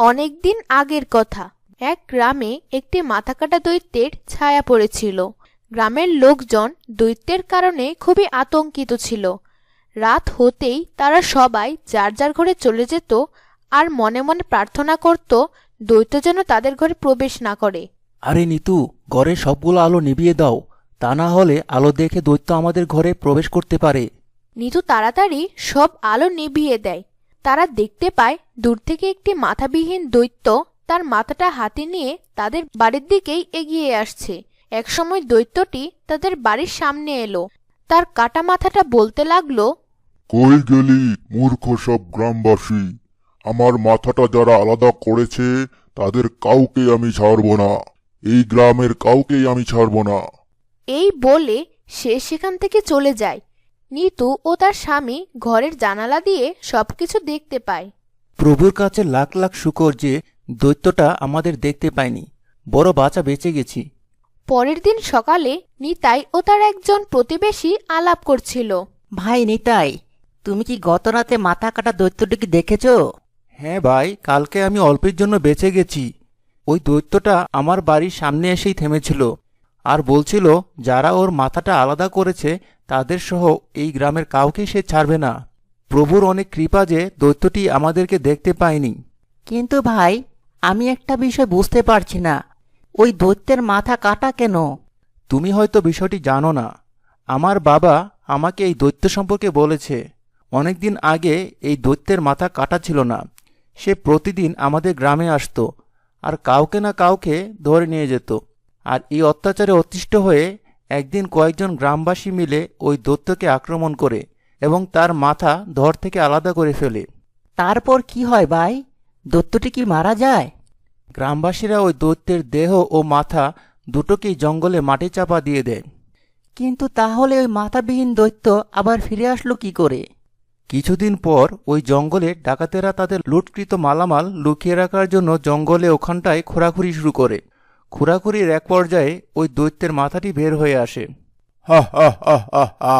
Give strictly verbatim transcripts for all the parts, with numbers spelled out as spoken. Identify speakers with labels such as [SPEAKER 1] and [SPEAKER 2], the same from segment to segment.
[SPEAKER 1] অনেকদিন আগের কথা। এক গ্রামে একটি মাথাকাটা দৈত্যের ছায়া পড়েছিল। গ্রামের লোকজন দৈত্যের কারণে খুবই আতঙ্কিত ছিল। রাত হতেই তারা সবাই যার যার ঘরে চলে যেত আর মনে মনে প্রার্থনা করত দৈত্য যেন তাদের ঘরে প্রবেশ না করে।
[SPEAKER 2] আরে নিতু, ঘরের সবগুলো আলো নিভিয়ে দাও, তা না হলে আলো দেখে দৈত্য আমাদের ঘরে প্রবেশ করতে পারে।
[SPEAKER 1] নিতু তাড়াতাড়ি সব আলো নিভিয়ে দেয়। তারা দেখতে পায় দূর থেকে একটি মাথাবিহীন দৈত্য তার মাথাটা হাতে নিয়ে তাদের বাড়ির দিকেই এগিয়ে আসছে। একসময় দৈত্যটি তাদের বাড়ির সামনে এলো। তার কাটা মাথাটা বলতে লাগলো,
[SPEAKER 3] কই গেলি মূর্খ সব গ্রামবাসী? আমার মাথাটা যারা আলাদা করেছে তাদের কাউকে আমি ছাড়ব না, এই গ্রামের কাউকেই আমি ছাড়ব না।
[SPEAKER 1] এই বলে সে সেখান থেকে চলে যায়। নিতু ও তার স্বামী ঘরের জানালা দিয়ে সবকিছু দেখতে পায়।
[SPEAKER 2] প্রভুর কাছে লাখ লাখ শুকর যে দৈত্যটা আমাদের দেখতে পায়নি, বড় বাঁচা বেঁচে গেছি।
[SPEAKER 1] পরের দিন সকালে নিতাই ও তার একজন প্রতিবেশী আলাপ করছিল।
[SPEAKER 4] ভাই নিতাই, তুমি কি গত রাতে মাথা কাটা দৈত্যটিকে দেখেছ?
[SPEAKER 2] হ্যাঁ ভাই, কালকে আমি অল্পের জন্য বেঁচে গেছি। ওই দৈত্যটা আমার বাড়ির সামনে এসেই থেমেছিল আর বলছিল যারা ওর মাথাটা আলাদা করেছে তাদের সহ এই গ্রামের কাউকে সে ছাড়বে না। প্রভুর অনেক কৃপা যে দৈত্যটি আমাদেরকে দেখতে পায়নি।
[SPEAKER 4] কিন্তু ভাই, আমি একটা বিষয় বুঝতে পারছি না, ওই দৈত্যের মাথা কাটা কেন?
[SPEAKER 2] তুমি হয়তো বিষয়টি জানো না। আমার বাবা আমাকে এই দৈত্য সম্পর্কে বলেছে। অনেকদিন আগে এই দৈত্যের মাথা কাটা ছিল না। সে প্রতিদিন আমাদের গ্রামে আসতো আর কাউকে না কাউকে ধরে নিয়ে যেত। আর এই অত্যাচারে অতিষ্ঠ হয়ে একদিন কয়েকজন গ্রামবাসী মিলে ওই দৈত্যকে আক্রমণ করে এবং তার মাথা ধর থেকে আলাদা করে ফেলে।
[SPEAKER 4] তারপর কি হয় ভাই? দৈত্যটি কি মারা যায়?
[SPEAKER 2] গ্রামবাসীরা ওই দৈত্যের দেহ ও মাথা দুটোকেই জঙ্গলে মাটি চাপা দিয়ে দেয়।
[SPEAKER 4] কিন্তু তাহলে ওই মাথাবিহীন দৈত্য আবার ফিরে আসলো কি করে?
[SPEAKER 2] কিছুদিন পর ওই জঙ্গলে ডাকাতেরা তাদের লুটকৃত মালামাল লুকিয়ে রাখার জন্য জঙ্গলে ওখানটায় খোঁড়াখুড়ি শুরু করে। খোঁড়াখুড়ির এক পর্যায়ে ওই দৈত্যের মাথাটি বের হয়ে আসে। হা হা হা হা হা!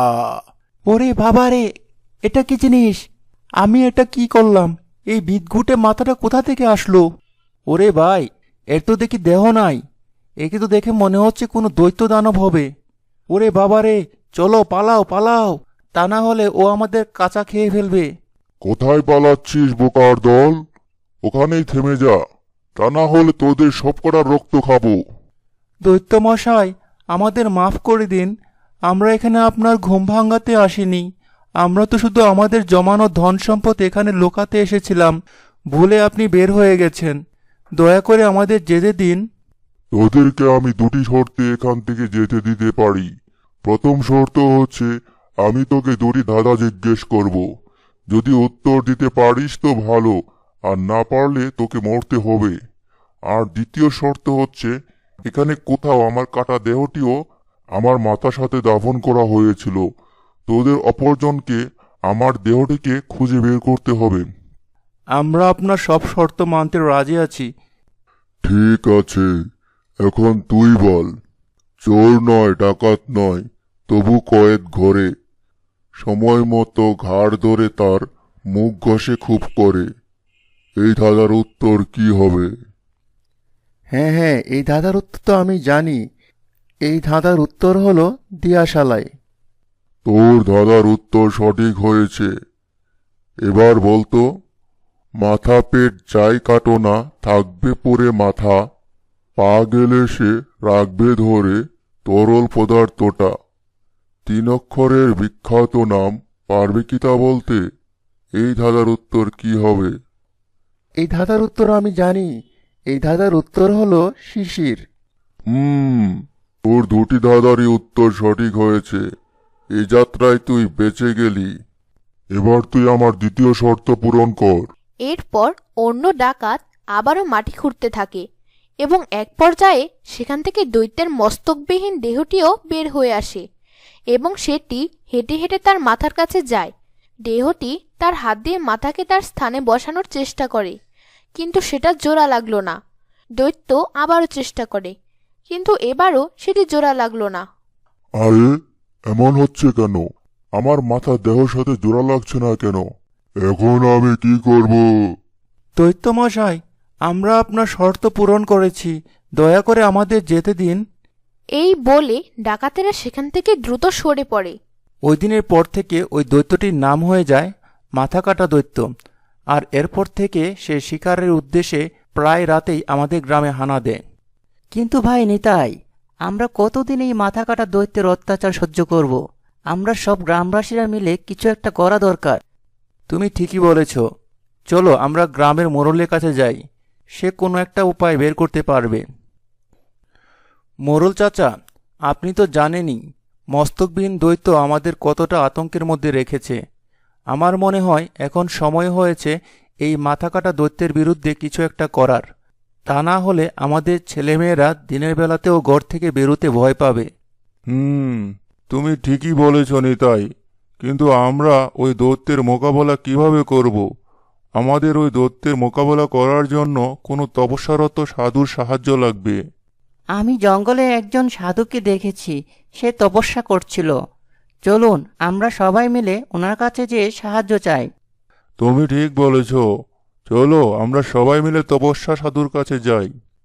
[SPEAKER 2] ওরে বাবারে, এটা কি জিনিস? আমি এটা কি করলাম? এই বিদঘুটে মাথাটা কোথা থেকে আসলো? ওরে ভাই, এর তো দেখি দেহ নাই। একে তো দেখে মনে হচ্ছে কোনো দৈত্য দানব হবে। ওরে বাবারে, চলো পালাও পালাও, তা না হলে ও আমাদের কাঁচা খেয়ে ফেলবে।
[SPEAKER 3] কোথায় পালাচ্ছিস বোকার দল? ওখানেই থেমে যা, তা না হলে তোদের সবকটার রক্ত খাবো।
[SPEAKER 2] দৈত্য মশাই, আমাদের মাফ করে দিন। আমরা এখানে আপনার ঘুম ভাঙাতে আসিনি। আমরা তো শুধু আমাদের জমানো ধন সম্পদ এখানে লোকাতে এসেছিলাম। ভুলে আপনি বের হয়ে গেছেন। দয়া করে আমাদের যেতে দিন।
[SPEAKER 3] তোদেরকে আমি দুটি শর্তে এখান থেকে যেতে দিতে পারি। প্রথম শর্ত হচ্ছে আমি তোকে দুটি ধাঁধা জিজ্ঞেস করব। যদি উত্তর দিতে পারিস তো ভালো, আর না পারলে তোকে মরতে হবে। আর দ্বিতীয় শর্ত হচ্ছে এখানে কোথাও আমার কাটা দেহটিও আমার মাথার সাথে দাফন করা হয়েছিল। তোদের অপরজনকে আমার দেহটিকে খুঁজে বের করতে হবে।
[SPEAKER 2] আমরা আপনার সব শর্ত মানতে রাজি আছি।
[SPEAKER 3] ঠিক আছে, এখন তুই বল। চোর নয়, ডাকাত নয়, তবু কয়েদ ঘরে। সময় মতো ঘাড় ধরে তার মুখ ঘষে খুব করে। এই ধাঁধার উত্তর কি হবে?
[SPEAKER 2] হ্যাঁ হ্যাঁ, এই ধাঁধার উত্তর তো আমি জানি। এই ধাঁধার উত্তর হলো দিয়াশালাই।
[SPEAKER 3] তোর ধাঁধার উত্তর সঠিক হয়েছে। এবার বলতো, মাথা পেট যাই কাটো না থাকবে পড়ে মাথা, পা গেলে সে রাখবে ধরে তরল পদার্থটা। তিন অক্ষরের বিখ্যাত নাম পারবে কি তা বলতে? এই ধাঁধার উত্তর কি হবে?
[SPEAKER 2] এই ধাঁধার উত্তর আমি জানি। এই ধাঁধার উত্তর হলো শিশির।
[SPEAKER 3] হুম, তোর দুটি ধাঁধারই উত্তর সঠিক হয়েছে। এই যাত্রায় তুই বেঁচে গেলি। এবার তুই আমার দ্বিতীয় শর্ত পূরণ কর।
[SPEAKER 1] এরপর অন্য ডাকাত আবারও মাটি খুঁড়তে থাকে এবং এক পর্যায়ে সেখান থেকে দৈত্যের মস্তকবিহীন দেহটিও বের হয়ে আসে এবং সেটি হেঁটে হেঁটে তার মাথার কাছে যায়। দেহটি তার হাত দিয়ে মাথাকে তার স্থানে বসানোর চেষ্টা করে, কিন্তু সেটা জোড়া লাগলো না। দৈত্য আবারও চেষ্টা করে, কিন্তু এবারও সেটি জোড়া লাগলো না।
[SPEAKER 3] আরে, এমন হচ্ছে কেন? আমার মাথা দেহর সাথে জোড়া লাগছে না কেন? এখন আমি কি করব?
[SPEAKER 2] দৈত্য মশাই, আমরা আপনার শর্ত পূরণ করেছি, দয়া করে আমাদের যেতে দিন।
[SPEAKER 1] এই বলে ডাকাতেরা সেখান থেকে দ্রুত সরে পড়ে।
[SPEAKER 2] ওই দিনের পর থেকে ওই দৈত্যটির নাম হয়ে যায় মাথা কাটা দৈত্য। আর এরপর থেকে সে শিকারের উদ্দেশ্যে প্রায় রাতেই আমাদের গ্রামে হানা দেয়।
[SPEAKER 4] কিন্তু ভাই নিতাই, আমরা কতদিন এই মাথা কাটা দৈত্যের অত্যাচার সহ্য করব? আমরা সব গ্রামবাসীরা মিলে কিছু একটা করা দরকার।
[SPEAKER 2] তুমি ঠিকই বলেছ, চলো আমরা গ্রামের মোড়লের কাছে যাই, সে কোনো একটা উপায় বের করতে পারবে। মোড়ল চাচা, আপনি তো জানেনই মস্তকবিহীন দৈত্য আমাদের কতটা আতঙ্কের মধ্যে রেখেছে। আমার মনে হয় এখন সময় হয়েছে এই মাথা কাটা দৈত্যের বিরুদ্ধে কিছু একটা করার। তা না হলে আমাদের ছেলেমেয়েরা দিনের বেলাতেও ঘর থেকে বেরোতে ভয় পাবে।
[SPEAKER 3] হুম, তুমি ঠিকই বলেছ নিতাই, কিন্তু আমরা ওই দৈত্যের মোকাবেলা কিভাবে করব? আমাদের ওই দৈত্যের মোকাবেলা করার জন্য কোনো তপস্যারত সাধুর সাহায্য লাগবে।
[SPEAKER 4] আমি জঙ্গলে একজন সাধুকে দেখেছি, সে তপস্যা করছিল। চলুন আমরা সবাই মিলে ওনার কাছে যেয়ে সাহায্য চাই।
[SPEAKER 3] তুমি ঠিক বলেছ, চলো আমরা সবাই মিলে তপস্যা সাধুর কাছে যাই।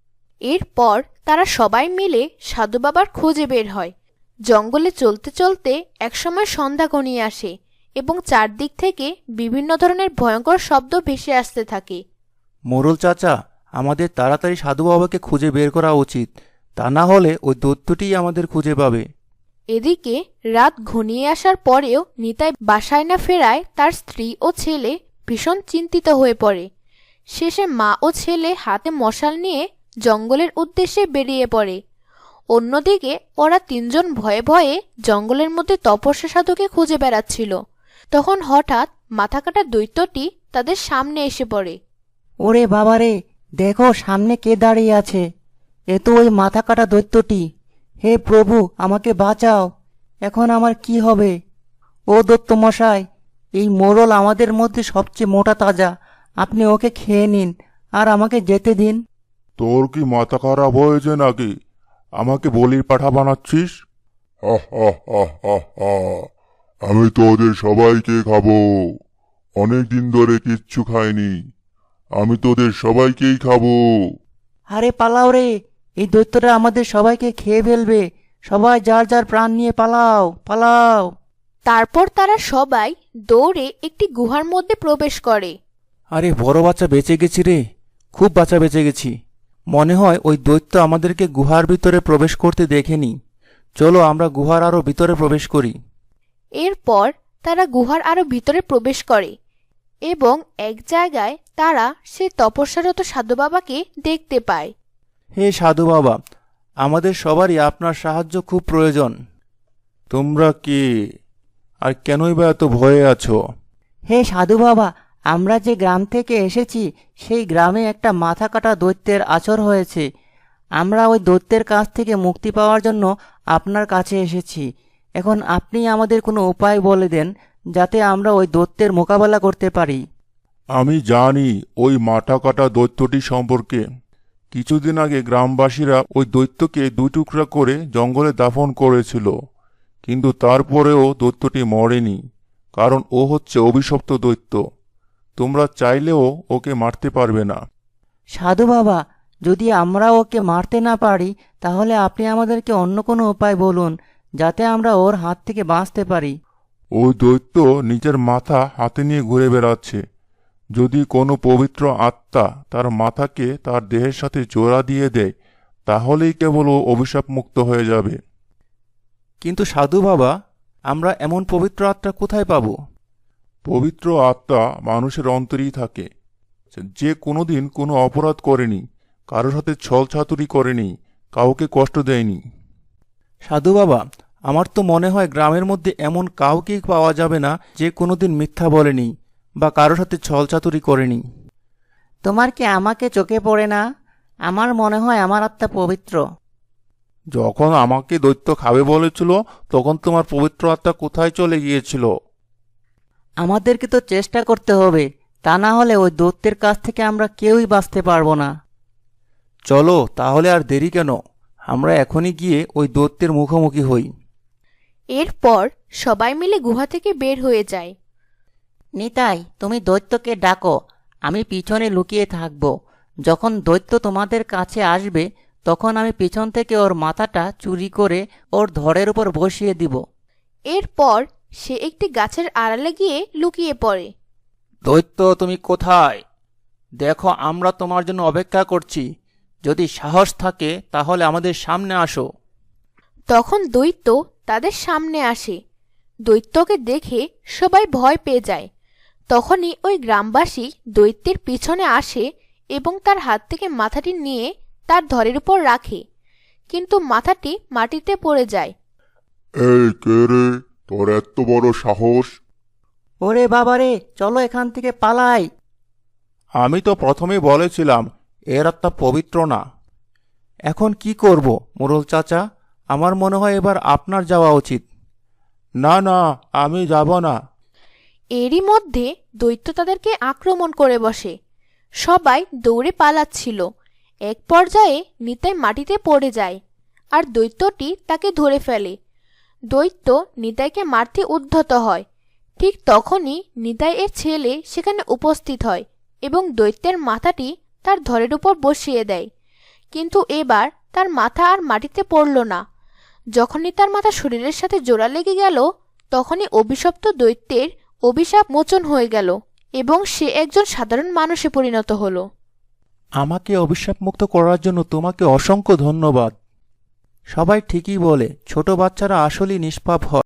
[SPEAKER 1] এরপর তারা সবাই মিলে সাধু বাবার খোঁজে বের হয়। জঙ্গলে চলতে চলতে একসময় সন্ধ্যা ঘনিয়ে আসে এবং চারদিক থেকে বিভিন্ন ধরনের ভয়ঙ্কর শব্দ ভেসে আসতে থাকে।
[SPEAKER 2] মোড়ল চাচা, আমাদের তাড়াতাড়ি সাধু বাবাকে খুঁজে বের করা উচিত, তা না হলে ওই দৈত্যটিই আমাদের খুঁজে পাবে।
[SPEAKER 1] এদিকে রাত ঘনিয়ে আসার পরেও নিতাই বাসায় না ফেরায় তার স্ত্রী ও ছেলে ভীষণ চিন্তিত হয়ে পড়ে। শেষে মা ও ছেলে হাতে মশাল নিয়ে জঙ্গলের উদ্দেশ্যে বেরিয়ে পড়ে। অন্যদিকে ওরা তিনজন ভয়ে ভয়ে জঙ্গলের মধ্যে তপস্যা সাধুকে খুঁজে বেড়াচ্ছিল। তখন হঠাৎ মাথাকাটা দৈত্যটি তাদের সামনে এসে পড়ে।
[SPEAKER 4] ওরে বাবারে, দেখো সামনে কে দাঁড়িয়ে আছে! এ তো ওই মাথা কাটা দৈত্যটি। হে প্রভু, আমাকে বাঁচাও! এখন আমার কি হবে? ও দত্ত মশাই, এই মোড়ল আমাদের মধ্যে সবচেয়ে মোটা তাজা, আপনি ওকে খেয়ে নিন আর আমাকে যেতে দিন।
[SPEAKER 3] তোর কি মাথা খারাপ হয়েছে নাকি? আমাকে বলির পাঠা বানাচ্ছিস?
[SPEAKER 5] হা হা হা হা হা। আমি তোদের সবাইকে খাবো। অনেক দিন ধরে কিচ্ছু খাইনি, আমি তোদের সবাইকেই খাবো।
[SPEAKER 4] আরে পালাও রে, এই দৈত্যটা আমাদের সবাইকে খেয়ে ফেলবে। সবাই যার যার প্রাণ নিয়ে পালাও, পালাও।
[SPEAKER 1] তারপর তারা সবাই দৌড়ে একটি গুহার মধ্যে প্রবেশ করে।
[SPEAKER 2] আরে বড় বাচ্চা, বেঁচে গেছি রে, খুব বাচ্চা বেঁচে গেছি। মনে হয় ওই দৈত্য আমাদেরকে গুহার ভিতরে প্রবেশ করতে দেখেনি। চলো আমরা গুহার আরও ভিতরে প্রবেশ করি।
[SPEAKER 1] এরপর তারা গুহার আরো ভিতরে প্রবেশ করে এবং এক জায়গায় তারা সে তপস্যারত সাধু বাবাকে দেখতে পায়।
[SPEAKER 2] হে সাধু বাবা, আমাদের সবারই আপনার সাহায্য খুব প্রয়োজন।
[SPEAKER 3] তোমরা কে, আর কেনই বা এত ভয়ে আছো?
[SPEAKER 4] হে সাধু বাবা, আমরা যে গ্রাম থেকে এসেছি সেই গ্রামে একটা মাথা কাটা দৈত্যের আচর হয়েছে। আমরা ওই দৈত্যের কাছ থেকে মুক্তি পাওয়ার জন্য আপনার কাছে এসেছি। এখন আপনি আমাদের কোনো উপায় বলে দেন যাতে আমরা ওই দৈত্যের মোকাবেলা করতে পারি।
[SPEAKER 3] আমি জানি ওই মাথা কাটা দৈত্যটি সম্পর্কে। কিছুদিন আগে গ্রামবাসীরা ওই দৈত্যকে দুই টুকরা করে জঙ্গলে দাফন করেছিল, কিন্তু তারপরেও দৈত্যটি মরেনি, কারণ ও হচ্ছে অভিশপ্ত দৈত্য। তোমরা চাইলেও ওকে মারতে পারবে না।
[SPEAKER 4] সাধু বাবা, যদি আমরা ওকে মারতে না পারি তাহলে আপনি আমাদেরকে অন্য কোনো উপায় বলুন যাতে আমরা ওর হাত থেকে বাঁচতে পারি।
[SPEAKER 3] ওই দৈত্য নিজের মাথা হাতে নিয়ে ঘুরে বেড়াচ্ছে। যদি কোনো পবিত্র আত্মা তার মাথাকে তার দেহের সাথে জোড়া দিয়ে দেয়, তাহলেই কেবল ও অভিশাপ মুক্ত হয়ে যাবে।
[SPEAKER 2] কিন্তু সাধু বাবা, আমরা এমন পবিত্র আত্মা কোথায় পাব?
[SPEAKER 3] পবিত্র আত্মা মানুষের অন্তরেই থাকে। যে কোনোদিন কোনো অপরাধ করেনি, কারোর সাথে ছল ছাতুরি করেনি, কাউকে কষ্ট দেয়নি।
[SPEAKER 2] সাধু বাবা, আমার তো মনে হয় গ্রামের মধ্যে এমন কাউকেই পাওয়া যাবে না যে কোনোদিন মিথ্যা বলেনি বা কারোর সাথে ছলচাতুরি করেনি।
[SPEAKER 4] তোমার কি আমাকে চোখে পড়ে না? আমার মনে হয় আমার আত্মা পবিত্র।
[SPEAKER 3] যখন আমাকে দৈত্য খাবে বলেছিল, তখন তোমার পবিত্র আত্মা কোথায় চলে গিয়েছিল?
[SPEAKER 4] আমাদেরকে তো চেষ্টা করতে হবে, তা না হলে ওই দৈত্যের কাছ থেকে আমরা কেউই বাঁচতে পারবো না।
[SPEAKER 2] চলো তাহলে আর দেরি কেন, আমরা এখনই গিয়ে ওই দৈত্যের মুখোমুখি হই।
[SPEAKER 1] এরপর সবাই মিলে গুহা থেকে বের হয়ে যায়।
[SPEAKER 4] নিতাই, তুমি দৈত্যকে ডাকো, আমি পিছনে লুকিয়ে থাকবো। যখন দৈত্য তোমাদের কাছে আসবে তখন আমি পিছন থেকে ওর মাথাটা চুরি করে ওর ধড়ের উপর বসিয়ে দিব।
[SPEAKER 1] এরপর সে একটি গাছের আড়ালে গিয়ে লুকিয়ে পড়ে।
[SPEAKER 2] দৈত্য, তুমি কোথায়? দেখো, আমরা তোমার জন্য অপেক্ষা করছি। যদি সাহস থাকে তাহলে আমাদের সামনে আসো।
[SPEAKER 1] তখন দৈত্য তাদের সামনে আসে। দৈত্যকে দেখে সবাই ভয় পেয়ে যায়। তখনই ওই গ্রামবাসী দৈত্যের পিছনে আসে এবং তার হাত থেকে মাথাটি নিয়ে তার ধরের উপর রাখে, কিন্তু মাথাটি মাটিতে পড়ে যায়।
[SPEAKER 5] এই কে রে, তোর এত বড় সাহস?
[SPEAKER 4] ওরে বাবারে, চলো এখান থেকে পালাই।
[SPEAKER 2] আমি তো প্রথমেই বলেছিলাম এর আত্মা পবিত্র না। এখন কি করব মোড়ল চাচা? আমার মনে হয় এবার আপনার যাওয়া উচিত। না না, আমি যাব না।
[SPEAKER 1] এরই মধ্যে দৈত্য তাদেরকে আক্রমণ করে বসে। সবাই দৌড়ে পালাচ্ছিল। এক পর্যায়ে নিতাই মাটিতে পড়ে যায় আর দৈত্যটি তাকে ধরে ফেলে। দৈত্য নিতাইকে মারতে উদ্ধত হয়। ঠিক তখনই নিতাই এর ছেলে সেখানে উপস্থিত হয় এবং দৈত্যের মাথাটি তার ধরের উপর বসিয়ে দেয়। কিন্তু এবার তার মাথা আর মাটিতে পড়ল না। যখনই তার মাথা শরীরের সাথে জোড়া লেগে গেল, তখনই অভিশপ্ত দৈত্যের অভিশাপ মোচন হয়ে গেল এবং সে একজন সাধারণ মানুষে পরিণত হলো।
[SPEAKER 2] আমাকে অভিশাপ মুক্ত করার জন্য তোমাকে অসংখ্য ধন্যবাদ। সবাই ঠিকই বলে, ছোট বাচ্চারা আসলেই নিষ্পাপ হয়।